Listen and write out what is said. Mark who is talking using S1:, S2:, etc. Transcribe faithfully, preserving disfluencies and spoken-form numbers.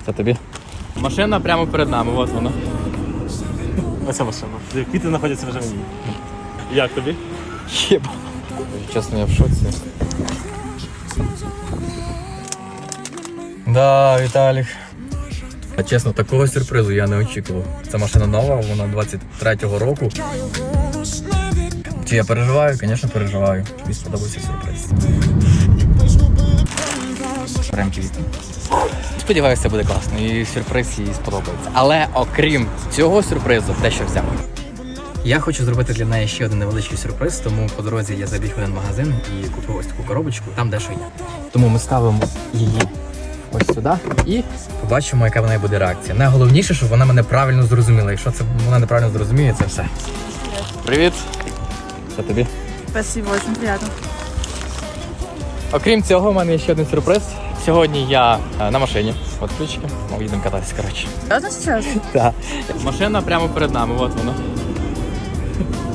S1: Це тобі? Машина прямо перед нами, от вона.
S2: Оця машина. Квіти знаходяться вже в ній. Як тобі?
S1: Єба. Чесно, я в шоці. Да, Віталік. А чесно, такого сюрпризу я не очікував. Ця машина нова, вона двадцять третього року. Чи я переживаю? Звісно, переживаю. Мені сподобався сюрприз. Прям квіти. Сподіваюся, це буде класно і сюрприз їй сподобається. Але окрім цього сюрпризу, дещо взяв. Я хочу зробити для неї ще один невеличкий сюрприз, тому по дорозі я забіг в один магазин і купив ось таку коробочку, там дещо є. Тому ми ставимо її ось сюди і побачимо, яка в неї буде реакція. Найголовніше, щоб вона мене правильно зрозуміла. Якщо це вона неправильно зрозуміє, це все. Привіт! Це тобі?
S3: Спасибо, очень приятно.
S1: Окрім цього, у мене є ще один сюрприз. Сьогодні я на машині. От ключики. Ми їдемо кататися, коротше.
S3: Серьезно сейчас?
S1: Так. Машина прямо перед нами, от вона.